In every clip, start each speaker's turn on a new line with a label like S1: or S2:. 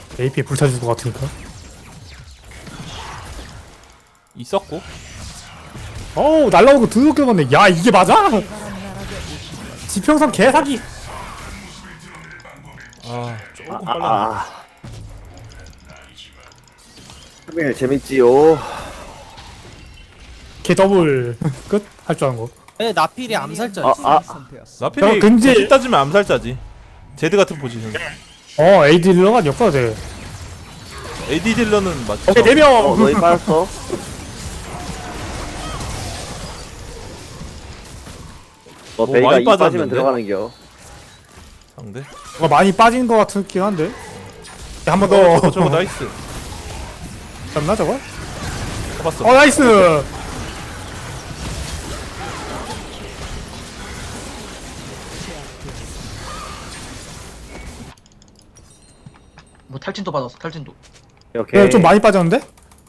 S1: AP에 불타줄 것 같으니까.
S2: 있었고.
S1: 어우 날라오는 거 드럽게 맞네. 야 이게 맞아? 지평선 개사기.
S2: 아 조금 빨랐네.
S3: 하면 재밌지요.
S1: 개 더블 끝? 할 줄 아는 거.
S4: 네, 나필이 암살자.
S2: 나필이
S1: 야, 근데-
S2: 근데 따지면 암살자지. 제드 같은 포지션.
S1: AD 딜러가 역사가 돼.
S2: AD 딜러는 맞죠.
S1: 오케이 4명.
S3: 너희 빠졌어. 너
S2: 뭐
S3: 베이가
S2: 많이
S3: 이 빠지면
S2: 빠졌는데?
S3: 들어가는겨.
S2: 상대.
S1: 뭔가 많이 빠진 것 같긴 한데. 한 번 더.
S2: 저거 나이스.
S1: 잡나 저거?
S2: 잡았어.
S1: 나이스.
S4: 뭐 탈진도 받았어. 탈진도.
S3: 오케이.
S1: 좀 많이 빠졌는데?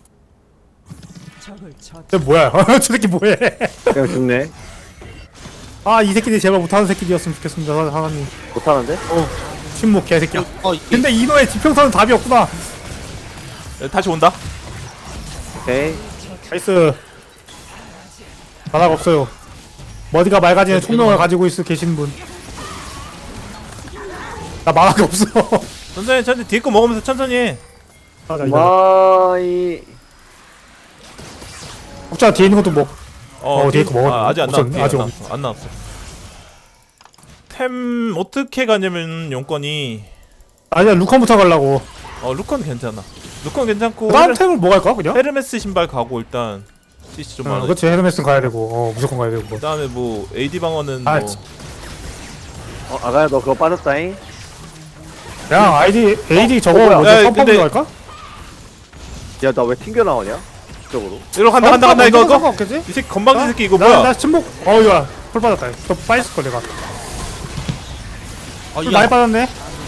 S1: 저 뭐야? 저 새끼 뭐해?
S3: 그냥 죽네.
S1: 아 이 새끼들 제발 못하는 새끼들이었으면 좋겠습니다 하나님.
S3: 못하는데?
S1: 침묵 개새끼야.
S4: 어,
S1: 근데 이노의 지평선은 답이 없구나.
S2: 다시 온다.
S3: 오케이.
S1: 나이스. 바닥 없어요. 머리가 맑아지는 총명을 가지고 계신 분. 나 만화가 없어.
S2: 천천히 뒤에 거 먹으면서 천천히 해.
S1: 맞아 이거.
S3: 마이.
S1: 혹자 뒤에 있는 것도 먹. 뒤에 거 먹었네.
S2: 아직 안
S1: 없었네.
S2: 나왔어.
S1: 아직
S2: 안 나왔어. 안 나왔어. 템 어떻게 가냐면 용건이
S1: 아니야 루컨부터 가려고.
S2: 루컨 괜찮아. 루컨 괜찮고
S1: 다음 템을 뭐 갈까 그냥?
S2: 헤르메스 신발 가고 일단 CC 좀 많아.
S1: 그렇지 헤르메스는 가야 되고 무조건 가야 되고.
S2: 그다음에 뭐 AD 방어는
S1: 아,
S2: 뭐
S3: 아가야 너 그거 빠졌다잉?
S1: 그냥 AD 저거
S3: 뭐야?
S1: 먼저
S2: 야,
S1: 선펌으로
S2: 근데-
S1: 갈까?
S3: 야 나 왜 튕겨 나오냐? 이쪽으로.
S2: 이리로 간다 이거.
S1: 상관없겠지?
S2: 이 새끼 건방진 새끼 이거
S1: 나
S2: 뭐야?
S1: 침묵. 이거 풀 빠졌다. 또 빠졌을 걸 내가.
S4: 아,
S1: 많이 빠졌네.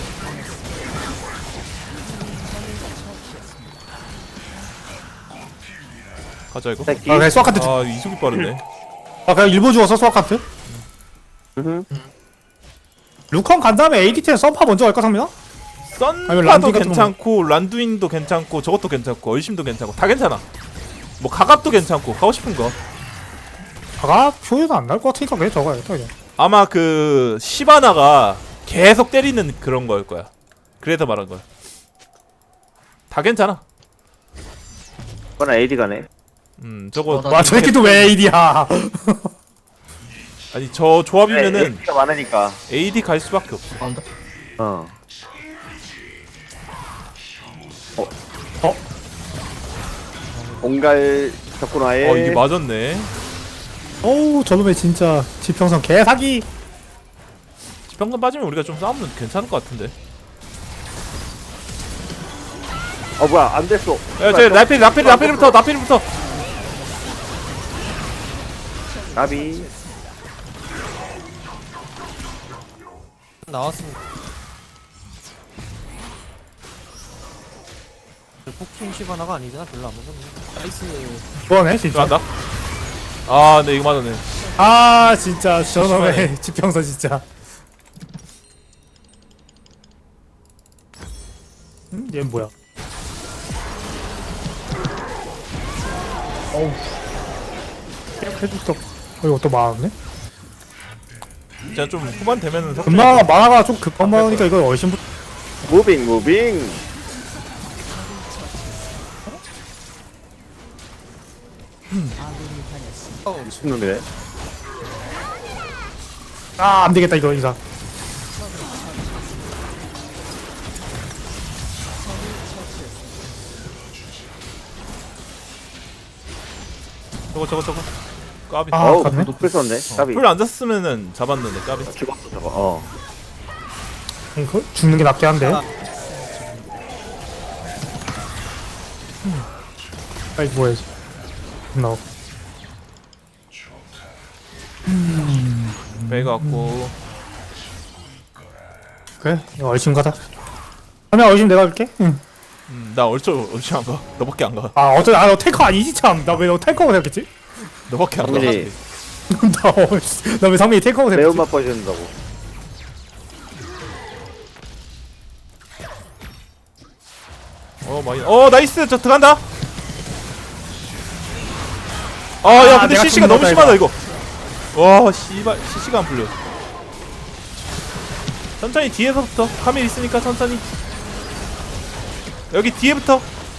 S2: 가자 이거.
S3: 새끼.
S1: 그냥 수학 카트.
S2: 이속이 빠르네.
S1: 그냥 일부 주웠어 수학 카트.
S3: 으흠.
S1: 루컨 간 다음에 AD10 썬파 먼저 갈까 상민아? 아니면
S2: 썬파도
S1: 란두인 같은
S2: 괜찮고 란두인도 괜찮고 저것도 괜찮고 얼심도 괜찮고 다 괜찮아. 뭐 가갑도 괜찮고 가고 싶은 거.
S1: 가가 표현은 안 날 것 같으니까 그냥 저거 해야겠다 그냥.
S2: 아마 그 시바나가 계속 때리는 그런 거일 거야. 그래서 말한 거야. 다 괜찮아.
S3: 그건 AD 가네.
S2: 저거
S4: 나
S1: 와 저 새끼도 왜 AD야?
S2: 아니 저 조합이면은
S3: AD가 많으니까.
S2: AD 갈 수밖에 없어.
S4: 나온다.
S3: 어. 온갈 덕분화에.
S2: 이게 맞았네.
S1: 어우 저놈의 진짜 지평선 개사기.
S2: 지평선 빠지면 우리가 좀 싸우면 괜찮을 것 같은데.
S3: 뭐야 안 됐어.
S2: 야저 나필부터
S3: 나비.
S4: 나왔습니다. 폭킹 시바나가 아니잖아. 별로 안 맞았네. 나이스.
S1: 뭐네 진짜.
S2: 들어간다. 네 이거 맞았네.
S1: 진짜 저놈의 지평선 진짜. 얘는 뭐야? 어우. 해줬다. 이거 또 많았네?
S2: 진짜 좀 후반 되면은
S1: 금방 만화가 좀 급한 만화니까 이거 얼씬부터.
S3: 무빙. 미친놈이네.
S1: 안되겠다 이거 이상.
S2: 저거 까비.
S3: 어우
S1: 갔네?
S3: 높을 썼네. 나비.
S2: 풀 안 잤으면은 잡았는데 까비.
S3: 죽었어 저거.
S1: 이거 죽는 게 낫긴 한데. 빨리 뭐야지. 나오.
S2: 베이가 왔고.
S1: 그래 이거 얼씬 가자. 그러면 얼씬 내가 할게. 응.
S2: 나 얼추 안 가. 너밖에 안 가.
S1: 너 탱커 아니지 참. 나 왜 너 탱커고 생각했지?
S2: 너밖에 안 가.
S3: 상민이
S1: 나 왜 상민이 탱커고 생각했지?
S3: 매운맛 보여준다고.
S2: 많이. 나이스. 저 들어간다. 야 근데
S1: 내가
S2: CC가 너무
S1: 죽는다,
S2: 심하다 이거. 와 씨발 CC가 안 풀려. 천천히 뒤에서부터 카밀 있으니까 천천히. 여기 뒤에부터.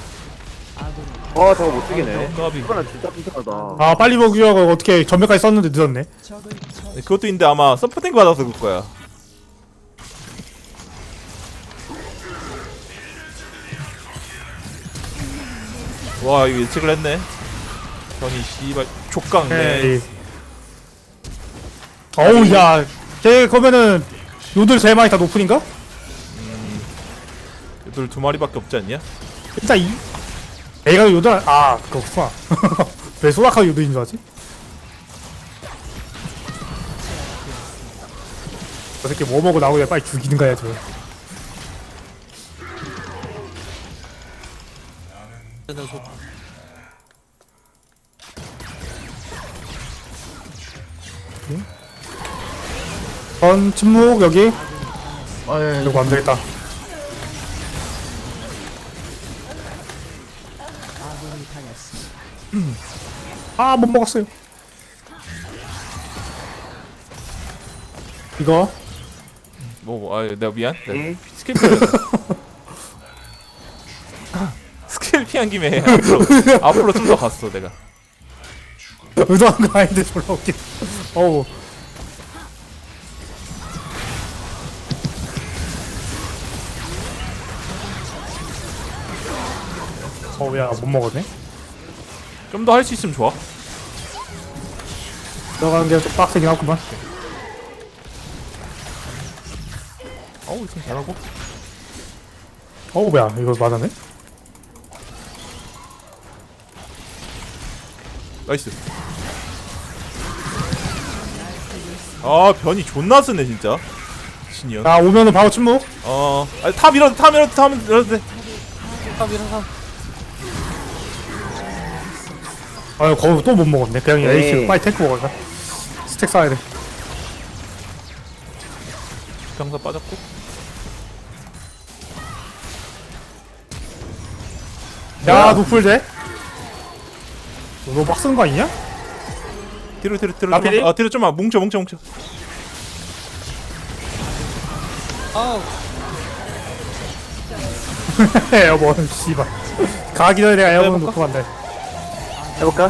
S3: 저거 못 죽이네.
S2: 까비.
S3: 시바나 진짜 튼튼하다.
S1: 아 빨리 먹으려고 어떻게 전멸까지 썼는데 늦었네.
S2: 그것도 있는데 아마 서포팅 받아서 그럴 거야. 와 이거 예측을 했네. 전이 씨발 족강네.
S1: 에이. 어우 야, 걔 그러면은 요들 제일 많이 다 노플인가?
S2: 얘들 2마리밖에 없지 않냐?
S1: 일단 애가 요들 그렇구나. 왜 소라카 요들인 줄 알지? 저 새끼 뭐 먹고 나오냐 빨리 죽이는 거야 저. 전 침묵 여기.
S4: 아예
S1: 이거 안 되겠다. 못 먹었어요. 이거
S2: 내가 미안.
S3: 응?
S2: 스킬 피했어. 스킬 피한 김에 앞으로 좀 더 갔어 내가.
S1: 의도한 거 아닌데 졸라 웃긴. 어우. 야, 못 먹었네.
S2: 좀 더 할 수 있으면 좋아.
S1: 들어가는 게 좀 빡세긴 하구만.
S2: 좀 잘하고.
S1: 뭐야, 이거 맞았네?
S2: 나이스. 변이 존나 쓰네 진짜. 신이야.
S1: 야, 오면은 바로 침묵.
S2: 타 밀어도 돼.
S1: 거기 또 못 먹었네. 그냥
S3: 에이.
S1: 에이스 빨리 탱크 먹을까? 스택 쌓아야 돼.
S2: 병사 빠졌고.
S1: 야, 노플 돼? 너 막 쓰는 거 아니냐?
S2: 뒤로
S1: 나필이?
S2: 좀만. 뒤로 좀만 뭉쳐.
S4: 아우
S1: 에어본, 씨발. 가기 전에 내가 에어본
S2: 해볼까?
S1: 놓고 간다.
S3: 해볼까?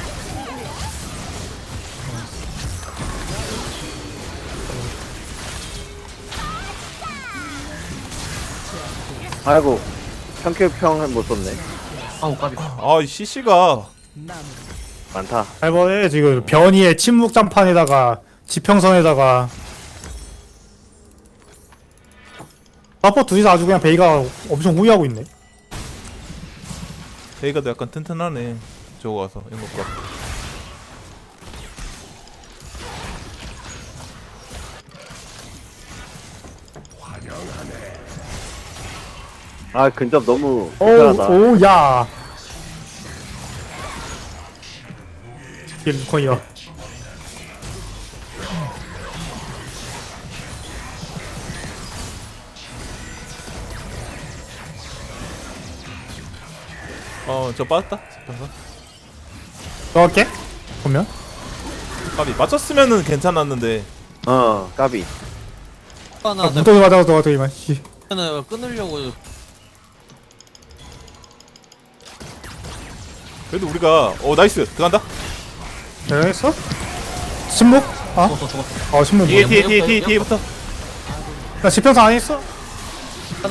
S3: 아이고 평큐평은 못 썼네.
S4: 아우 까비.
S2: 이 CC가
S3: 많다.
S1: 이번에 지금 변이의 침묵 장판에다가 지평선에다가 서포 둘이서 아주 그냥 베이가 엄청 후회하고 있네.
S2: 베이가도 약간 튼튼하네. 저거 와서 이것과.
S3: 근접 너무 불편하다.
S1: 야. 이게 루컨이야.
S2: 저 빠졌다. 병사.
S1: 넣을게. 보면.
S2: 까비 맞췄으면은 괜찮았는데.
S3: 까비.
S4: 하나
S1: 무더기 맞아서 너가 씨.
S4: 내가 끊으려고
S2: 그래도 우리가 나이스 들어간다.
S1: 됐어? 침묵?
S4: 죽었어.
S1: 침묵.
S2: 뒤에부터.
S1: 나 지평선 안 했어?
S4: 하나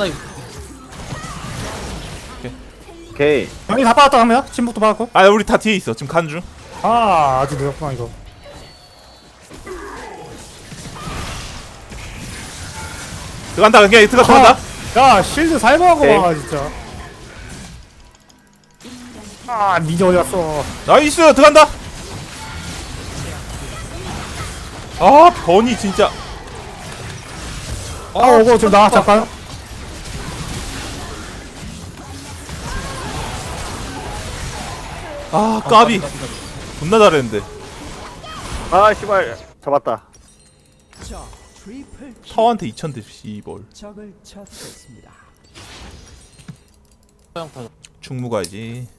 S3: 오케이.
S1: 변이 다 받았다 하면 침묵도 받았고.
S2: 우리 다 뒤에 있어. 지금 간 중.
S1: 아직 늦었구나 이거.
S2: 들어간다. 그냥 들어간다.
S1: 야 실드 살벌하고
S3: 오케이.
S1: 와 진짜. 미니 어디 갔어?
S2: 나이스 들어간다. 변이 진짜.
S1: 오고 좀 나와 잠깐.
S2: 까비. 존나 잘했는데.
S3: 씨발 잡았다.
S2: 타워한테 2000대 씨벌.
S4: 소양파.
S2: 중무 가야지.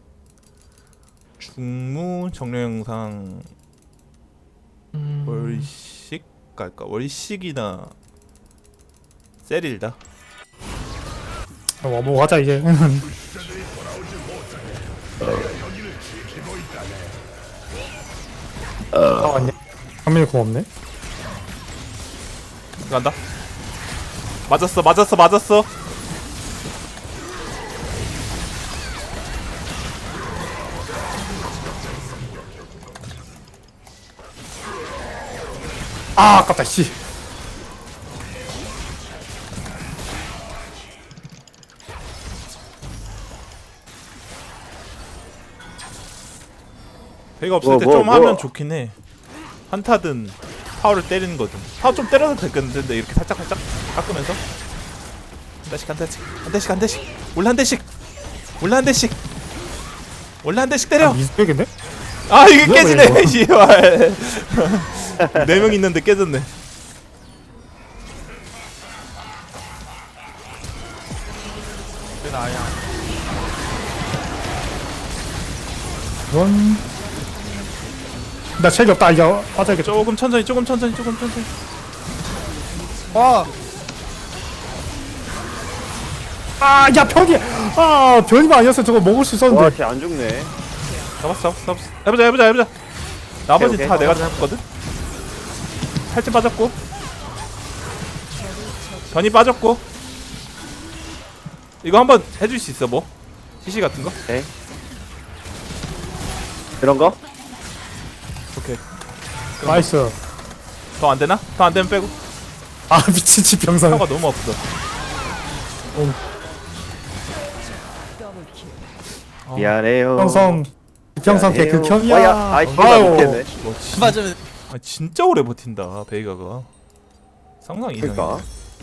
S2: 중무 정령 영상 월식 갈까? 월식이나 세릴다.
S1: 뭐 가자 이제. 아 왔네. 한민이 고맙네.
S2: 간다. 맞았어.
S1: 아 아깝다 씨.
S2: 배가 없을
S3: 뭐,
S2: 때
S3: 뭐,
S2: 좀
S3: 뭐.
S2: 하면 좋긴 해. 한타든 파워를 때리는 거든. 파워 좀 때려도 되겠는데 이렇게 살짝 깎으면서 한 대씩 올라 한 대씩 때려.
S1: 미스백인데?
S2: 아 이게
S1: 뭐야,
S2: 깨지네.
S1: 이거.
S2: 씨발. 4명 있는데 깨졌네.
S4: 그 나야.
S1: 이건 나 체력 없다. 이제 빠져야겠다.
S2: 조금 천천히.
S4: 와.
S1: 아야 변이. 아 변이만 아니었어 저거 먹을 수 있었는데.
S3: 와, 쟤 안 죽네.
S2: 잡았어. 해보자. 나머지
S3: 오케이,
S2: 다
S3: 오케이.
S2: 내가 잡았거든. 팔찌 빠졌고, 변이 빠졌고. 이거 한번 해줄 수 있어 뭐? CC 같은 거?
S3: 네. 이런 거?
S2: 오케이.
S1: 나이스.
S2: 더 안 되나? 더 안 되면 빼고.
S1: 아 미친 집 병상.
S2: 사가 너무 없어.
S3: 미안해요.
S1: 병성. 병성
S3: 미안해요.
S1: 개극혐이야.
S3: 와, 야, 아이, 씨발
S1: 아유.
S3: 못겠네.
S2: 뭐 진,
S4: 맞으면
S2: 아, 진짜 오래 버틴다 베이가가. 상상 이상이야.
S3: 그니까.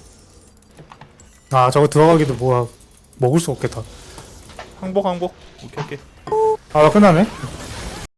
S1: 아 저거 들어가기도 뭐야 먹을 수 없겠다.
S2: 항복. 오케이.
S1: 아 끝나네.